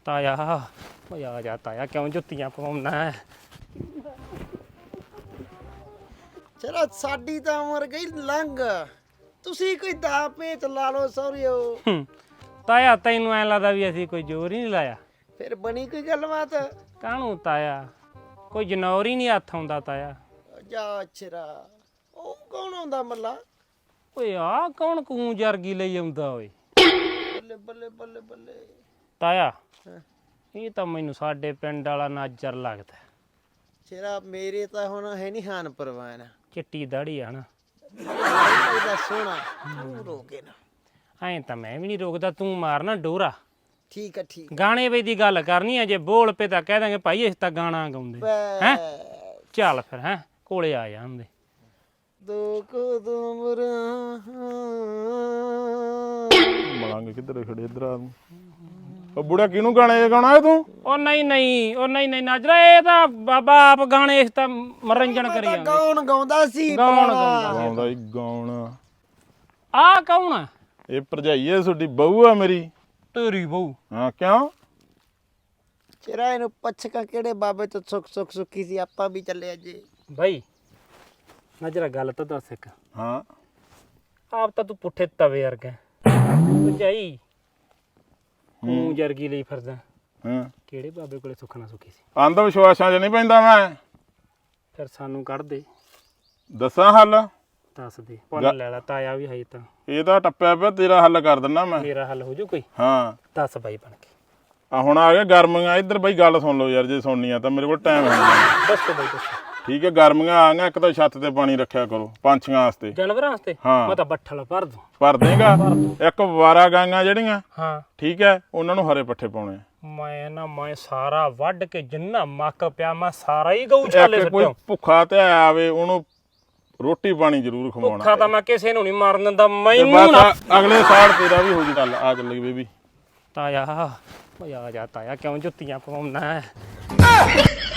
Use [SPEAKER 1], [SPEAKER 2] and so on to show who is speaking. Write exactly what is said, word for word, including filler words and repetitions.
[SPEAKER 1] ਤਾਇਆ ਓਏ ਆ ਜਾ ਤਾਇਆ ਕਿਉਂ ਜੁੱਤੀਆਂ ਪਵਾਉਣਾ ਹੈ
[SPEAKER 2] ਚਲੋ ਸਾਡੀ ਤਾਂ ਉਮਰ ਗਈ ਲੰਘ ਤੁਸੀਂ ਕੋਈ ਦਾ ਪੇਚ ਲਾ ਲਓ ਸੌਰੀਓ
[SPEAKER 1] ਤਾਇਆ ਤੈਨੂੰ ਐ ਲੱਗਦਾ ਵੀ ਅਸੀਂ ਕੋਈ ਜ਼ੋਰ ਹੀ ਨਹੀਂ ਲਾਇਆ
[SPEAKER 2] ਫਿਰ ਬਣੀ ਕੋਈ ਗੱਲਬਾਤ
[SPEAKER 1] ਕਾਹਨੂੰ ਤਾਇਆ ਕੋਈ ਜਨੌਰ ਹੀ ਨਹੀਂ ਹੱਥ ਆਉਂਦਾ ਤਾਇਆ
[SPEAKER 2] ਜਾ ਛਰਾ ਉਹ ਕੌਣ ਆਉਂਦਾ ਮੱਲਾ
[SPEAKER 1] ਓਏ ਆ ਕੌਣ ਕੂੰ ਜਰਗੀ ਲਈ ਆਉਂਦਾ ਓਏ
[SPEAKER 2] ਬੱਲੇ ਬੱਲੇ ਬੱਲੇ ਬੱਲੇ
[SPEAKER 1] ਤਾਇਆ
[SPEAKER 2] ਹਾਂ।
[SPEAKER 1] ਇਹ ਤਾਂ ਮੈਨੂੰ ਸਾਡੇ ਪਿੰਡ ਵਾਲਾ ਨਾਜਰ ਲੱਗਦਾ
[SPEAKER 2] ਛਰਾ ਮੇਰੇ ਤਾਂ ਹੁਣ ਹੈ ਨਹੀਂ ਹਾਨ ਪਰਵਾਨ
[SPEAKER 1] ਚਿੱਟੀ ਦਾੜੀ ਆ ਨਾ
[SPEAKER 2] ਇਹਦਾ ਸੋਹਣਾ ਤੂੰ ਰੋਕੇ ਨਾ
[SPEAKER 1] ਐਂ ਤਾਂ ਮੈਂ ਵੀ ਨਹੀਂ ਰੋਕਦਾ ਤੂੰ ਮਾਰਨਾ ਡੋਰਾ
[SPEAKER 2] ਠੀਕ ਆ ਠੀਕ
[SPEAKER 1] ਗਾਣੇ ਵੇ ਦੀ ਗੱਲ ਕਰਨੀ ਆ ਜੇ ਬੋਲ ਪੇ ਤਾਂ ਕਹਿ ਦਾਂਗੇ ਭਾਈ ਅਸੀਂ ਤਾਂ ਗਾਣਾ ਗਾਉਂਦੇ
[SPEAKER 2] ਹੈ
[SPEAKER 1] ਚੱਲ ਫਿਰ ਹੈ ਕੋਲੇ ਆ ਜਾਂਦੇ
[SPEAKER 2] ਦੋ ਕੋ ਦੋ ਮੁਰਾਂ
[SPEAKER 3] ਮਲਾਂਗੇ ਕਿੱਧਰ ਖੜੇ ਇਧਰ ਆ ਤੂੰ ਉਹ ਬੁੜਾ ਕਿਹਨੂੰ ਗਾਣੇ ਗਾਉਣਾ ਹੈ ਤੂੰ
[SPEAKER 1] ਉਹ ਨਹੀਂ ਨਹੀਂ ਉਹ ਨਹੀਂ ਨਹੀਂ ਨਾਜਰਾ ਇਹ ਤਾਂ ਬਾਬਾ ਆਪ ਗਾਣੇ ਇਸ ਤਾਂ ਮਨੋਰੰਜਨ ਕਰੀ ਜਾਂਦੇ
[SPEAKER 2] ਗਾਉਣ ਗਾਉਂਦਾ ਸੀ
[SPEAKER 1] ਗਾਉਣ
[SPEAKER 2] ਭਰਾਵਾ।
[SPEAKER 1] ਗਾਉਂਦਾ
[SPEAKER 3] ਗਾਉਂਦਾ ਹੀ ਗਾਉਣ
[SPEAKER 1] ਆ ਕੌਣ ਆ
[SPEAKER 3] ਇਹ ਭਰਜਾਈ ਹੈ ਤੁਹਾਡੀ ਬਹੂ ਆ ਮੇਰੀ
[SPEAKER 1] ਤੇਰੀ ਬਹੂ
[SPEAKER 3] ਹਾਂ ਕਿਉਂ
[SPEAKER 2] ਚਿਹਰਾ ਇਹਨੂੰ ਪਛਕਾ ਕਿਹੜੇ ਬਾਬੇ ਤੋਂ ਸੁੱਖ ਸੁੱਖ ਸੁੱਖੀ ਸੀ ਆਪਾਂ ਵੀ ਚੱਲੇ ਅਜੇ
[SPEAKER 1] ਭਾਈ ਨਾਜਰਾ ਗੱਲ ਤਾਂ ਦੱਸ ਇੱਕ
[SPEAKER 3] ਹਾਂ
[SPEAKER 1] ਆਪ ਤਾਂ ਤੂੰ ਪੁੱਠੇ ਤਵੇ ਵਰਗਾ ਭਜਾਈ ਹੂੰ ਜਰਗੀ ਲਈ ਫਿਰਦਾ
[SPEAKER 3] ਹਾਂ
[SPEAKER 1] ਕਿਹੜੇ ਬਾਬੇ ਕੋਲੇ ਸੁੱਖ ਨਾ ਸੁੱਖੀ ਸੀ
[SPEAKER 3] ਅੰਧ ਵਿਸ਼ਵਾਸਾਂ 'ਚ ਨਹੀਂ ਪੈਂਦਾ ਮੈਂ
[SPEAKER 1] ਫਿਰ ਸਾਨੂੰ ਕੱਢ ਦੇ
[SPEAKER 3] ਦੱਸਾਂ ਹੱਲ
[SPEAKER 1] ਦੱਸ ਦੇ ਪੁੰਨ ਲੈ ਲਾ ਤਾਇਆ ਵੀ ਹੈ ਤਾਂ
[SPEAKER 3] ਇਹਦਾ ਟੱਪਿਆ ਪਿਆ ਤੇਰਾ ਹੱਲ ਕਰ ਦਿੰਦਾ ਮੈਂ
[SPEAKER 1] ਮੇਰਾ ਹੱਲ ਹੋ ਜੂ ਕੋਈ
[SPEAKER 3] ਹਾਂ
[SPEAKER 1] ਦੱਸ ਬਾਈ ਬਣ ਕੇ
[SPEAKER 3] ਆ ਹੁਣ ਆ ਗਿਆ ਗਰਮੀਆਂ ਇੱਧਰ ਬਈ ਗੱਲ ਸੁਣ ਲਓ ਯਾਰ ਜੇ ਸੁਣਨੀ ਆ ਤਾਂ ਮੇਰੇ ਕੋਲ ਟਾਈਮ ਹੈ ਨਹੀਂ।
[SPEAKER 1] ਦੱਸੋ ਬਾਈ ਦੱਸੋ
[SPEAKER 3] ਠੀਕ ਹੈ ਗਰਮੀਆਂ ਆ ਗਈਆਂ ਇੱਕ ਤਾਂ ਛੱਤ ਤੇ ਪਾਣੀ ਰੱਖਿਆ ਕਰੋ ਪੰਛੀਆਂ ਵਾਸਤੇ
[SPEAKER 1] ਜਾਨਵਰਾਂ ਵਾਸਤੇ
[SPEAKER 3] ਹਾਂ।
[SPEAKER 1] ਮੈਂ ਤਾਂ ਬੱਠਲ ਭਰ ਦੂੰ
[SPEAKER 3] ਭਰ ਦੇਗਾ ਇੱਕ ਵਾਰਾ ਗਾਂਗਾ ਜਿਹੜੀਆਂ
[SPEAKER 1] ਹਾਂ
[SPEAKER 3] ਠੀਕ ਹੈ ਉਹਨਾਂ ਨੂੰ ਹਰੇ ਪੱਠੇ ਪਾਉਣੇ ਆ।
[SPEAKER 1] ਮੈਂ ਨਾ ਮੈਂ ਸਾਰਾ ਵੱਢ ਕੇ ਜਿੰਨਾ ਮੱਕ ਪਿਆ ਮੈਂ ਸਾਰਾ ਹੀ ਗਊ ਛਾਲੇ
[SPEAKER 3] ਇੱਕ ਕੋਈ
[SPEAKER 1] ਸੁੱਟਿਆ
[SPEAKER 3] ਭੁੱਖਾ ਤੇ ਆਵੇ ਉਹਨੂੰ ਰੋਟੀ ਪਾਣੀ ਜ਼ਰੂਰ ਖਵਾਉਣਾ
[SPEAKER 1] ਭੁੱਖਾ ਤਾਂ ਮੈਂ ਕਿਸੇ ਨੂੰ ਨਹੀਂ ਮਾਰਨ ਦਿੰਦਾ
[SPEAKER 3] ਤੇ
[SPEAKER 1] ਮੈਨੂੰ
[SPEAKER 3] ਬਸ
[SPEAKER 1] ਨਾ
[SPEAKER 3] ਆ- ਅਗਲੇ ਸਾਲ ਤੇਰਾ ਵੀ ਹੋ ਜੂ ਚੱਲ ਆ ਚੱਲੀ ਬੇਬੀ
[SPEAKER 1] ਤਾਇਆ ਓਏ ਆ ਜਾ ਤਾਇਆ ਕਿਉਂ ਜੁੱਤੀਆਂ ਪਵਾਉਣਾ ਹੈ